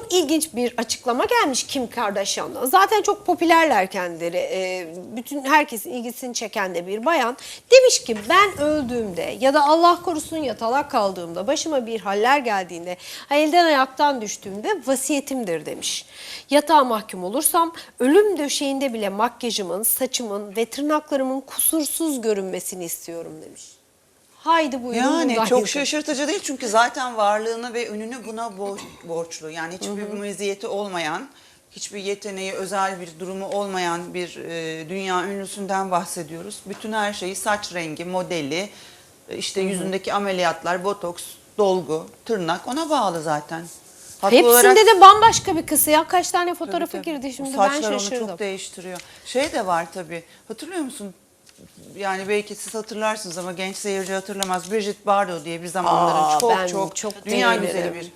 çok ilginç bir açıklama gelmiş Kim Kardashian'dan. Zaten çok popülerler kendileri. Bütün herkesin ilgisini çeken de bir bayan. Demiş ki ben öldüğümde ya da Allah korusun yatalak kaldığımda, başıma bir haller geldiğinde, elden ayaktan düştüğümde vasiyetimdir demiş. Yatağa mahkum olursam ölüm döşeğinde bile makyajımın, saçımın ve tırnaklarımın kusursuz görünmesini istiyorum demiş. Haydi buyurun. Yani çok şaşırtıcı değil çünkü zaten varlığını ve ününü buna borçlu. Yani hiçbir meziyeti olmayan, hiçbir yeteneği, özel bir durumu olmayan bir dünya ünlüsünden bahsediyoruz. Bütün her şeyi, saç rengi, modeli, işte yüzündeki ameliyatlar, botoks, dolgu, tırnak ona bağlı zaten. Haklı Hepsinde olarak, de bambaşka bir kızı ya. Kaç tane fotoğrafı tabii. girdi şimdi O ben saçlar şaşırdım. onu çok değiştiriyor. Şey de var tabii. Hatırlıyor musun? Yani belki siz hatırlarsınız ama genç seyirci hatırlamaz. Brigitte Bardot diye bir zamanların ben çok dünya beğenirim. güzeli bir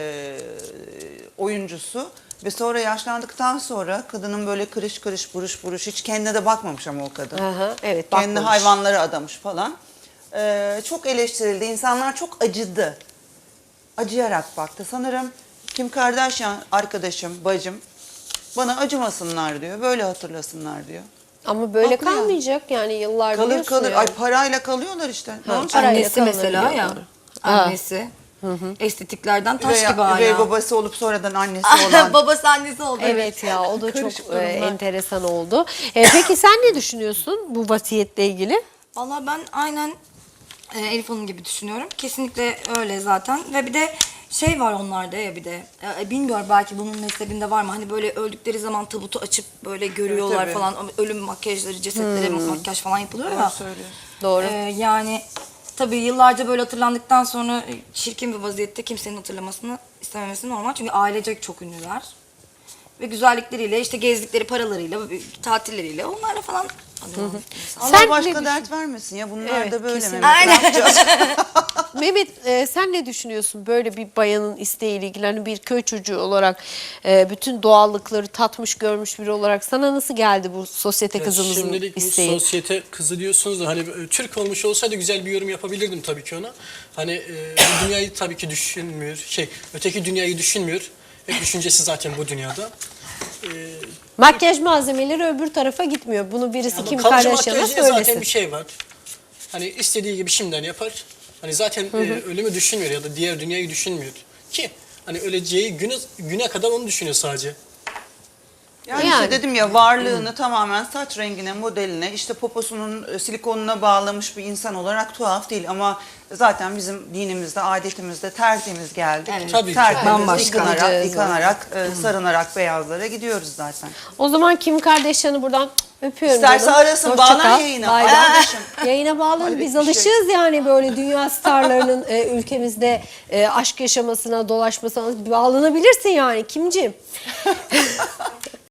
oyuncusu. Ve sonra yaşlandıktan sonra kadının böyle kırış kırış buruş buruş, hiç kendine de bakmamış ama o kadın. Aha, evet, Kendini bakmamış. hayvanlara adamış falan. Çok eleştirildi. İnsanlar çok acıdı. Acıyarak baktı. Sanırım Kim Kardashian arkadaşım, bacım bana acımasınlar diyor. Böyle hatırlasınlar diyor. Ama böyle Haklı ya. kalmayacak yani yıllar Kalır biliyorsun kalır. yani. Ay parayla kalıyorlar işte. Ne Ha, olacak? parayla Annesi mesela ya. kalınabiliyorlar. Annesi. Estetiklerden taş gibi hala. Üvey babası olup sonradan annesi olan. Babası annesi oldu. Evet ya, o da çok Karışık durumlar. enteresan oldu. Peki sen ne düşünüyorsun bu vasiyetle ilgili? Valla ben aynen Elif Hanım gibi düşünüyorum. Kesinlikle öyle zaten. Ve bir de şey var onlarda ya bir de. Bilmiyorum belki bunun mezhebinde var mı? Hani böyle öldükleri zaman tabutu açıp böyle görüyorlar tabii. falan. Ölüm makyajları, cesetlere makyaj falan yapılıyor ya. Söylüyor. Doğru. Yani tabii yıllarca böyle hatırlandıktan sonra çirkin bir vaziyette kimsenin hatırlamasını istememesi normal. Çünkü ailecek çok ünlüler. Ve güzellikleriyle, işte gezdikleri paralarıyla, tatilleriyle onlarla falan anıyorlar. Allah Sen ne başka düşün- dert vermesin ya. Bunlar Evet, da böyle kesinlikle. Mehmet. Ne Aynen. yapacağız? Mehmet sen ne düşünüyorsun böyle bir bayanın isteğiyle ilgili? Hani bir köy çocuğu olarak bütün doğallıkları tatmış görmüş biri olarak sana nasıl geldi bu sosyete kızımızın Şimdilik bu isteği? sosyete kızı diyorsunuz da hani Türk olmuş olsaydı güzel bir yorum yapabilirdim tabii ki ona. Hani bu dünyayı tabii ki düşünmüyor. Öteki dünyayı düşünmüyor. Hep düşüncesi zaten bu dünyada. Makyaj malzemeleri öbür tarafa gitmiyor. Bunu birisi Ama Kim kalıcı Kardashian'a makyaj diye zaten söylesin. bir şey var. Hani istediği gibi şimdiden yapar. Hani zaten ölümü düşünmüyor ya da diğer dünyayı düşünmüyor. Ki hani öleceği güne kadar onu düşünüyor sadece. Yani, Yani. işte dedim ya, varlığını tamamen saç rengine, modeline, işte poposunun silikonuna bağlamış bir insan olarak tuhaf değil. Ama zaten bizim dinimizde, adetimizde tertemiz geldik. Evet. Tabii ki. Tertemiz, Bambaşka. yıkanarak, sarınarak beyazlara gidiyoruz zaten. O zaman Kim Kardashian'ı buradan öpüyorum. İsterse canım. arasın, Hoşça bağlan kal. yayına. Bay bay. Arkadaşım. Yayına bağlanın. Hayret Biz bir şey. alışığız yani böyle dünya starlarının ülkemizde aşk yaşamasına, dolaşmasına bağlanabilirsin yani Kimciğim.